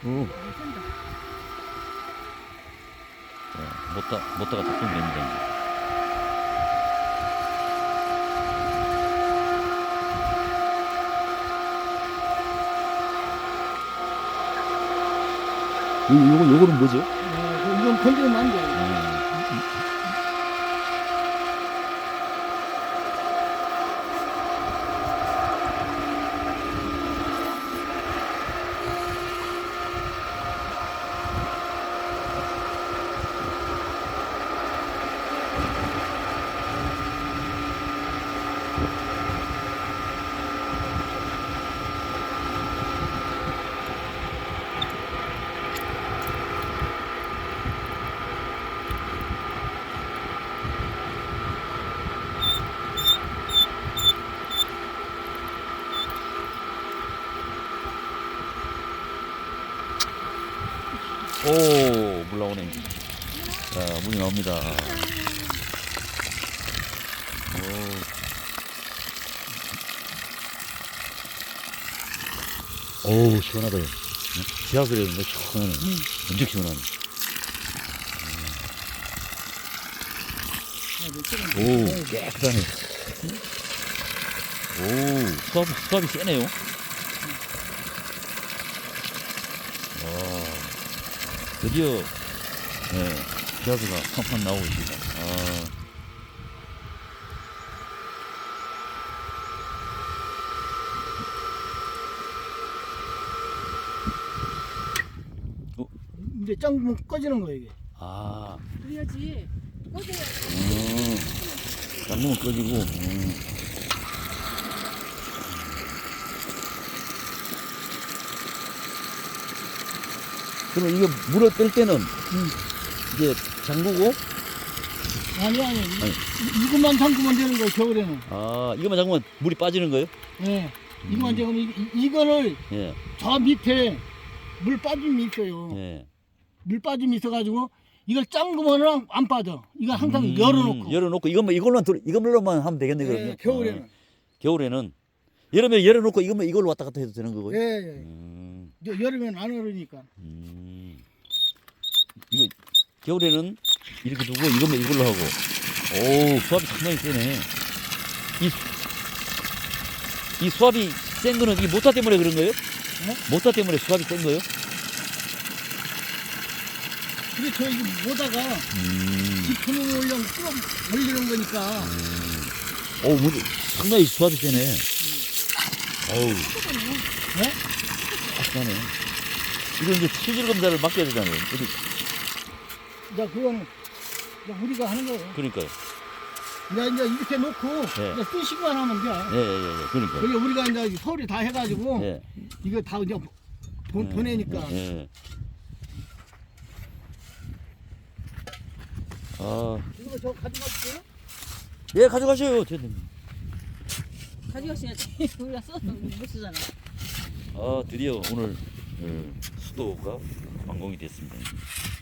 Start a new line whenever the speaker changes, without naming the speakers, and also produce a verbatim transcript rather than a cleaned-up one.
오.
센다.
어, 못다, 못다가 작동 됩니다, 이제. 요, 요거, 요거는 뭐죠?
네, 이건 건드리면 안 돼.
음. 오, 물 나오네. 자, 물이 나옵니다. 오, 오 시원하다. 지하수를 했는데 시원하네.
음.
엄청 시원하네. 오, 깨끗하네. 오, 수압, 수압이 세네요. 와, 드디어, 네, 지하수가 팡팡 나오고 있습니다. 아.
이제 짱 꺼지는 거예요, 이게.
아,
그래야지. 꺼져야
음, 잠그면 꺼지고, 음. 그러면 이거 물을 뜰 때는,
음.
이제 잠그고,
아니, 아니.
아니.
이- 이것만 잠그면 되는 거예요, 겨울에는.
아, 이거만 잠그면 물이 빠지는 거예요?
예. 이것만 잠그면, 이- 이- 이거를
예,
저 밑에 물 빠짐이 있어요.
예.
물 빠짐이 있어가지고, 이걸 잠그면 안 빠져. 이거 항상
음,
열어놓고.
열어놓고, 이것만, 이걸로만, 들- 이걸로만 하면 되겠네,
예,
그러면.
겨울에는.
어, 겨울에는. 여름에 열어놓고, 이것만, 이걸로 왔다 갔다 해도 되는 거고요?
예, 예.
음,
여- 여름에는 안 얼으니까.
음. 이거, 겨울에는 이렇게 두고, 이것만 이걸로 하고. 오, 수압이 상당히 세네. 이, 이 수압이 센 거는 이 모터 때문에 그런 거예요? 모터 때문에 수압이 센 거예요?
그래서 이거 보다가
음.
깊은 올려 쭉 올리는 거니까.
오, 뭐, 상당히 수압이 세네. 어우,
네?
확실하네. 이거 이제 수질 검사를 맡겨야 되잖아요. 어디,
이제 그거는 이제 우리가 하는 거예요.
그러니까요.
이제 이제 이렇게 놓고
네.
이제 쓰시기만 하면 돼.
예, 예, 예, 예. 그러니까요.
그리고 우리가 이제 서울에 다 해가지고
예.
이거 다 이제 보,
예,
보내니까.
예, 예. 아,
이거 저 가져갈게요.
예, 가져가셔요. 저-
가져가셔야지. 우리가 써도 못 쓰잖아.
아, 드디어 오늘 어, 수도가 완공이 됐습니다.